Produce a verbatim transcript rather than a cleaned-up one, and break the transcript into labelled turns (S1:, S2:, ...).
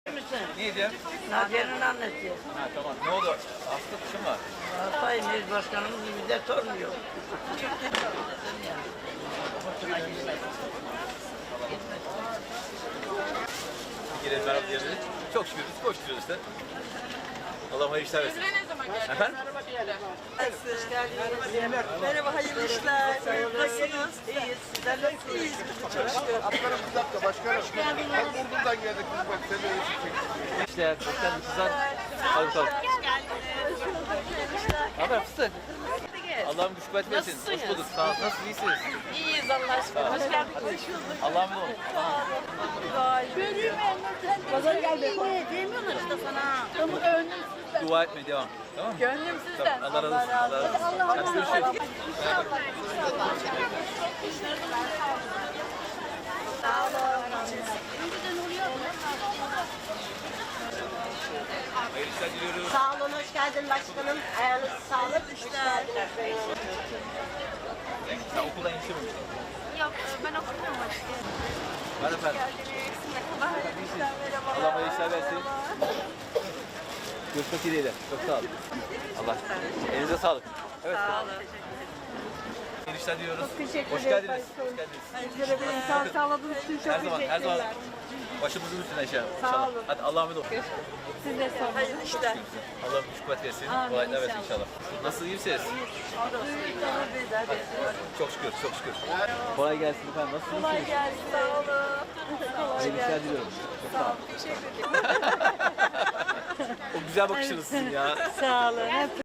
S1: Ne diyeceğim?
S2: Naciye'nin annesi.
S1: Ha tamam. Ne oldu? Hasta kuşum var.
S2: Sayın İl Başkanımız bize sormuyor.
S1: Girelim merhaba diyelim. Çok şükür biz koşturuyoruz işte. Allah hayırlı işler versin.
S3: Ne zaman geldin?
S1: Efendim?
S2: Hoş geldiniz.
S4: Merhaba, hayırlı işler. Nasılsınız?
S2: İyiyiz. Sizler nasılsınız?
S4: İyiyiz. Çok şükür.
S5: Atlarım bir dakika başkanım. Bak Burdur'dan geldik biz bak seni öyle çekecek.
S1: İşler, hoş geldiniz kızlar. Hadi bakalım. Ne haber fıstık? Allah'ım güç kuvvet versin. Hoş bulduk. Sağ ol. Nasıl iyisiniz?
S3: İyiyiz Allah aşkına. Hoş geldin.
S1: Allah'ım olun.
S3: Pazar geldi. Demiyorlar işte sana. Ama gönlümsüzden.
S1: Dua etmeye devam. Tamam mı?
S3: Gönlümsüzden.
S1: Tamam. Allah razı olsun. Allah razı olsun. Hadi görüşürüz.
S3: Sağ olun.
S1: Hayırlı işler diliyoruz.
S4: Sağ olun, hoş geldin başkanım. Ayağınız sağlık. İşler.
S1: Sen okuldan yetişememiştin.
S3: Yok ben okumuyorum açık.
S1: Hadi efendim. Allah hayırlı işler versin. Görüşmek dileğiyle. Çok sağ olun. Allah. Elinize sağlık. Evet. Sağ olun. Hayırlı işler diliyoruz. Hoş geldiniz. Hoş geldiniz.
S4: Sağ sağladığınız için çok
S1: Her zaman, her zaman başımızın üstüne inşallah. İnşallah.
S4: olun.
S1: Hadi Allah'a emanet olun.
S4: Siz de sorun. Hayırlı işler.
S1: Allah'ım güç kuvvet versin. Kolaylıklar versin inşallah. Nasıl iyi misiniz? Çok şükür, çok şükür. Kolay gelsin efendim. Nasılsınız? Kolay gelsin.
S4: Sağ olun.
S1: Hayırlı işler diliyorum. Çok sağ olun.
S4: Teşekkür ederim.
S1: O güzel bakışınız sizin ya.
S4: Sağ olun. Hep